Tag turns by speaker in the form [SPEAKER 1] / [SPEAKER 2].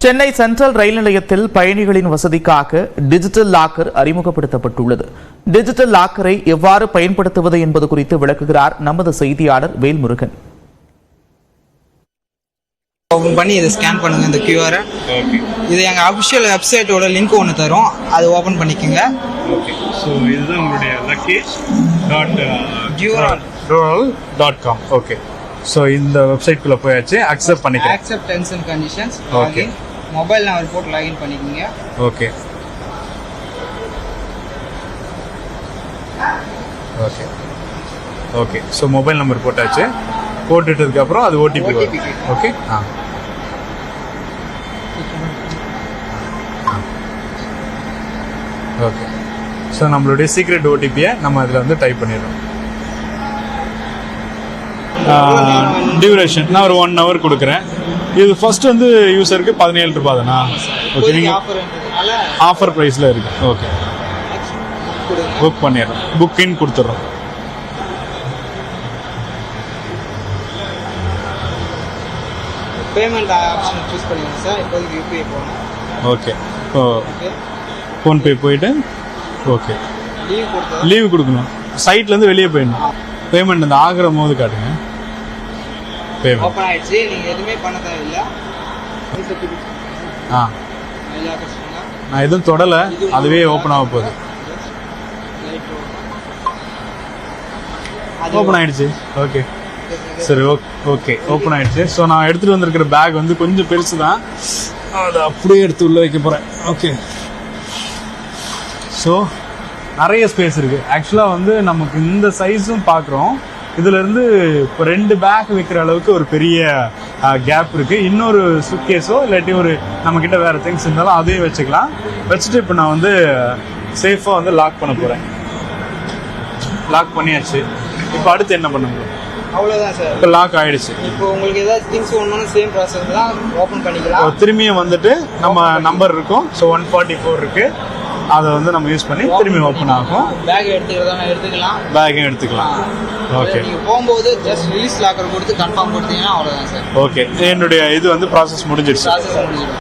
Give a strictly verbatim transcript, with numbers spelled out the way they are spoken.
[SPEAKER 1] Chennai central ரயில் நிலையத்தில் பயணிகளின் வசதிக்காக டிஜிட்டல் லாக்கர் அறிமுகப்படுத்தப்பட்டுள்ளது. டிஜிட்டல் லாக்கரை எவ்வாறு பயன்படுத்துவது என்பது குறித்து விளக்குகிறார் நமது செய்தியாளர் வேல்முருகன்.
[SPEAKER 2] ஓபன் பண்ணி இதை ஸ்கேன் பண்ணுங்க இந்த கியூஆர். இது எங்க அபிஷியல் வெப்சைட்டோட லிங்க் ஒன்று தரும், அது ஓபன் பண்ணிக்கோங்க.
[SPEAKER 3] ஓகே, ஸோ இதுதான் உங்களுடைய luggage dot
[SPEAKER 2] dural
[SPEAKER 3] dural dot com. Okay, so இந்த வெப்சைட்குள்ளே போயாச்சு, அக்செப்ட் பண்ணிக்கிறேன்.
[SPEAKER 2] Accept terms and conditions.
[SPEAKER 3] Okay,
[SPEAKER 2] mobile number போட்டு லாகின் பண்ணிக்கோங்க.
[SPEAKER 3] Okay okay okay so mobile number போட்டாச்சு. போட்டுட்டதுக்கப்புறம் அது ஓடிபி வரும். ஓகே, ஆ ஓகே ஸோ நம்மளுடைய சீக்ரெட் ஓடிபியை நம்ம அதில் வந்து டைப் பண்ணிடுறோம். டியூரேஷன் நான் ஒரு ஒன் ஹவர் கொடுக்குறேன். இது ஃபர்ஸ்ட் வந்து யூசருக்கு பதினேழு ரூபாய் தானா? ஓகே, நீங்கள் ஆஃபர் ப்ரைஸில் இருக்கு. ஓகே, புக் பண்ணிடுறோம், புக்கின் கொடுத்துட்றோம்.
[SPEAKER 2] பேமெண்ட் ஆப்ஷன் சூஸ் பண்ணிடுங்க சார். இப்போதைக்கு யூபிஐ போகணும்.
[SPEAKER 3] ஓகே, ஓ ஃபோன்பே போயிட்டு ஓகே
[SPEAKER 2] லீவ் கொடுத்து
[SPEAKER 3] லீவு கொடுக்கணும். சைட்லேருந்து வெளியே போயிடணும். பேமெண்ட் அந்த ஆகிற போது காட்டுங்க. பேமெண்ட்
[SPEAKER 2] ஓப்பன் ஆயிடுச்சு. நீங்கள் எதுவுமே பண்ண தேவையில்லை.
[SPEAKER 3] ஆ நான் எதுவும் தொடலை, அதுவே ஓப்பன் ஆக போகுது. ஓப்பன் ஆயிடுச்சு. ஓகே சரி, ஓகே ஓகே ஓப்பன் ஆயிடுச்சு. ஸோ நான் எடுத்துகிட்டு வந்திருக்கிற பேக் வந்து கொஞ்சம் பெருசு தான், அதை அப்படியே எடுத்து உள்ளே வைக்க போகிறேன். ஓகே, ஸோ நிறைய ஸ்பேஸ் இருக்குது. ஆக்சுவலாக வந்து நமக்கு இந்த சைஸும் பார்க்குறோம். இதுலேருந்து இப்போ ரெண்டு பேக் வைக்கிற அளவுக்கு ஒரு பெரிய கேப் இருக்குது. இன்னொரு சுட்கேஸோ இல்லாட்டி ஒரு நம்மக்கிட்ட வேறு திங்ஸ் இருந்தாலும் அதையும் வச்சுக்கலாம். வச்சுட்டு இப்போ நான் வந்து சேஃபாக வந்து லாக் பண்ண போகிறேன். லாக் பண்ணியாச்சு. இப்போ அடுத்து என்ன பண்ண முடியும்?
[SPEAKER 2] அவ்வளோதான் சார்.
[SPEAKER 3] இப்போ லாக் ஆயிடுச்சு.
[SPEAKER 2] இப்போ உங்களுக்கு ஏதாவது திங்ஸ் ஒன்று சேம் ப்ராசஸ் தான், ஓப்பன் பண்ணிக்கலாம்.
[SPEAKER 3] திரும்பியும் வந்துட்டு நம்ம நம்பர் இருக்கும். ஸோ ஒன் ஃபார்ட்டி ஃபோர் இருக்கு, அதை வந்து நம்ம யூஸ் பண்ணி திரும்பி ஓப்பன் ஆகும்.
[SPEAKER 2] பேக் எடுத்துக்கிறதா எடுத்துக்கலாம்,
[SPEAKER 3] பேக்கையும் எடுத்துக்கலாம். ஓகே,
[SPEAKER 2] நீங்கள் போகும்போது ஜஸ்ட் ரிலீஸ் லாக்கர் கொடுத்து கன்ஃபார்ம் கொடுத்தீங்கன்னா அவ்வளோதான் சார்.
[SPEAKER 3] ஓகே, என்னுடைய இது வந்து ப்ராசஸ் முடிஞ்சிடுச்சு.
[SPEAKER 2] ப்ராசஸ் முடிஞ்சிடும்.